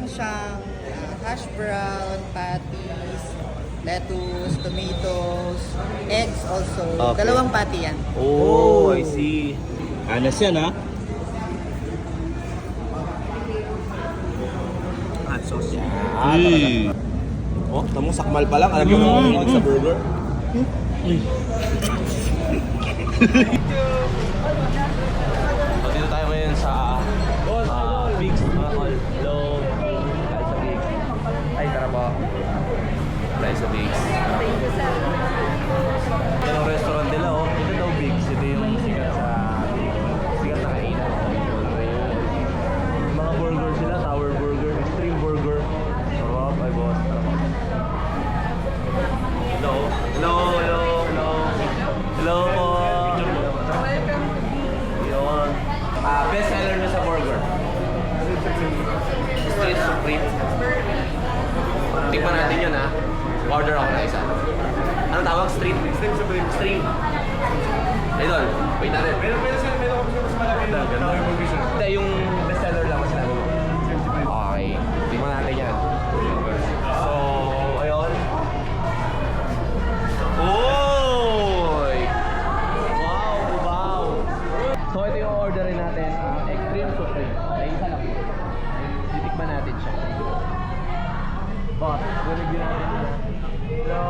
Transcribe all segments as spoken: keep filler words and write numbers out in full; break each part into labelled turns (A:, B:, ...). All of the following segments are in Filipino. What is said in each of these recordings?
A: Meron siyang ah, hash brown, patties, lettuce, tomatoes, eggs also.
B: Okay.
A: Dalawang patty yan.
B: Oh, I see. Anas yan, ha?
C: Hot sauce.
B: Ah, talaga. Oh, tamo sakmal pa lang. Alam mo mm. mo sa burger. So, dito tayo ngayon sa uh, Big's, mga tol. Hello. Tayo sa Big's. Ay, tara po. Tayo sa Big's. Yan ang restaurant nila, oh. Ito daw Big's. Ito yung sikat sa sikat na kainan. Yung mga burger sila, tower burger, extreme burger. Sarap, ay boss. Hello. Hello, hello, hello. Hello po. Yun. Ah, best seller na sa burger. Street Supreme. Tikman natin yun, ha. Order ako na isa. Anong tawag? Street? Street Supreme. Street. Idol, wait natin. Meron meron sila, meron kami mas malaki na. Hindi, yung best seller lang mas sinabi mo. Okay. Tikman natin yan. So, ayun. Oy! Wow, wow! So, ito yung orderin natin. Uh, Extreme Supreme. Ay, isa lang. Titikman natin siya. Boss, review natin ito. Hello!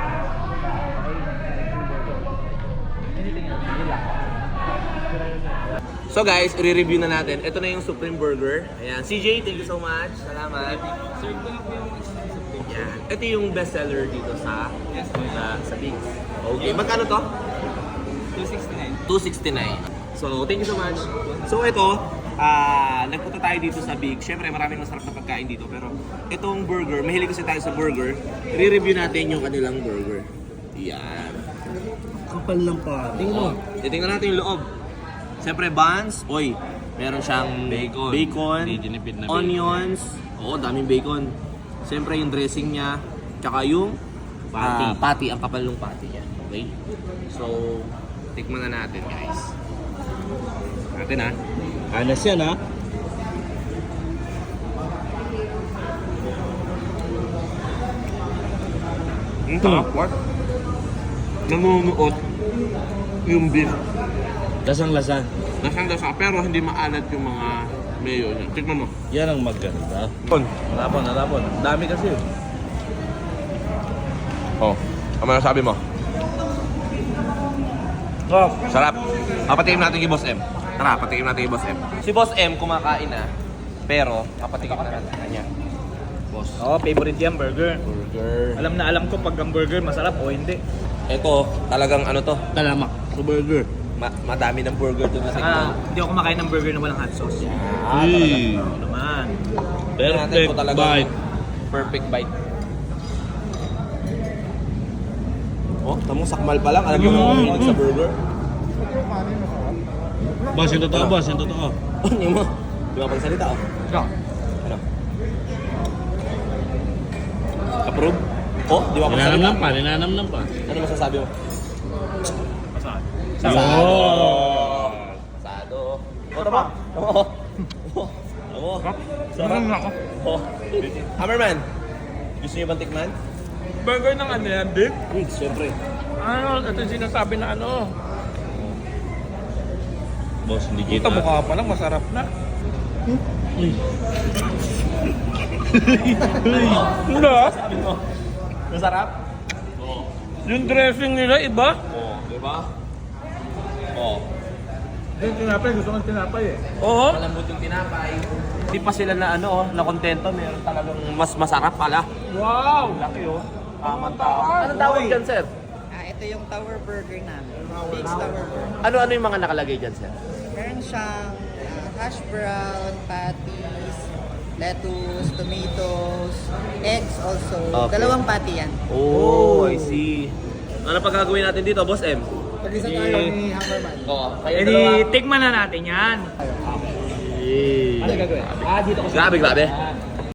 B: So guys, i-review na natin. Ito na yung Supreme Burger. Ayan. C J, thank you so much. Salamat. Ayan. Ito yung best seller dito sa sa, sa Big's. Okay. Magkano to?
C: two sixty-nine.
B: two sixty-nine. So, thank you so much. So, ito, ah nagpunta tayo dito sa Big's. Siyempre, maraming masarap na pagkain dito. Pero, itong burger, mahilig kasi tayo sa burger. I-review natin yung kanilang burger. Ayan.
C: Kapal lang pa.
B: Tingnan mo. Titingnan natin yung loob. Siyempre, buns. Oy, meron siyang
C: Bacon.
B: bacon,
C: May ginipid na bacon.
B: onions. Oo, daming bacon. Siyempre, yung dressing niya. Tsaka yung
C: Patty.
B: ah, patty. Ang kapal ng patty niya. Okay? So, tikman na natin, guys. Natin, ha? Anas yan, ha? Ang sarap. What? Nanunuot yung beef.
C: Lasang-lasa.
B: Lasang lasa pero hindi maalat yung mga mayo niya. Tignan mo.
C: Yan ang maganda.
B: Pon.
C: Narapon, narapon. Dami kasi.
B: Oh. Ano masasabi mo?
C: Oh.
B: Sarap. Papatikim natin kay Boss M. Tara, patikim natin kay Boss M. Si Boss M kumakain na. Pero, papatikim na natin kanya. Boss.
C: Oo, favorite yan, burger.
B: Burger.
C: Alam na alam ko pag ang burger masarap o hindi.
B: Ito, talagang ano to?
C: Talamak sa burger.
B: Ma madami ng burger to na
C: Saka,
B: tikman.
C: hindi ako kumakain ng burger na walang hot sauce.
B: Ah, talaga.
C: Oo naman.
B: Tingnan natin kung talagang perfect bite. Oh, tamong sakmal pa lang. Alam mo
C: Mm.
B: mo sa burger.
C: Boss, yung totoo, boss, yung totoo.
B: Oh, hindi mo. Di ba pagsalita, oh?
C: Ikaw.
B: Ano? Approve? Oh, di ba pagsalita?
C: Ninanam pa, ninanam pa.
B: Ano masasabi mo?
C: Saan?
B: Sado.
C: Oh.
B: Sado. Oh, tama. Tama, oh. Oh, tama. Sarap.
C: ako.
B: Oh. Hammerman, gusto niyo bang tikman?
D: Burger ng ano yan, beef?
B: Hmm, siyempre.
D: Ano, ito yung sinasabi na ano.
C: Boss, hindi
D: Ito mukha pa lang, masarap na. Hindi ah.
B: Sabi mo, masarap?
D: Yung dressing nila iba.
B: Oh, di ba? Oh.
D: Yung tinapay, gusto kong tinapay eh.
C: Oo.
B: Malambot yung tinapay. Hindi pa sila na ano, oh, na kontento. Meron talagang mas masarap pala.
D: Wow!
B: Laki oh. Tamang tao. Anong tawag dyan, sir?
A: Ah, ito yung tower burger namin. Big's tower burger.
B: Ano-ano yung mga nakalagay dyan, sir?
A: Meron siyang ah, hash brown, patties, lettuce, tomatoes, eggs also.
B: Okay.
A: Dalawang patty yan.
B: Oh, I see. Ano pa gagawin natin dito, Boss M?
A: Pag-isa tayo ni Hammerman.
B: Oo. Kayo
D: Eh
B: dalawa.
D: di, tikman na natin yan.
B: Eh.
C: Ano gagawin? Ah, dito ko
B: Grabe, grabe.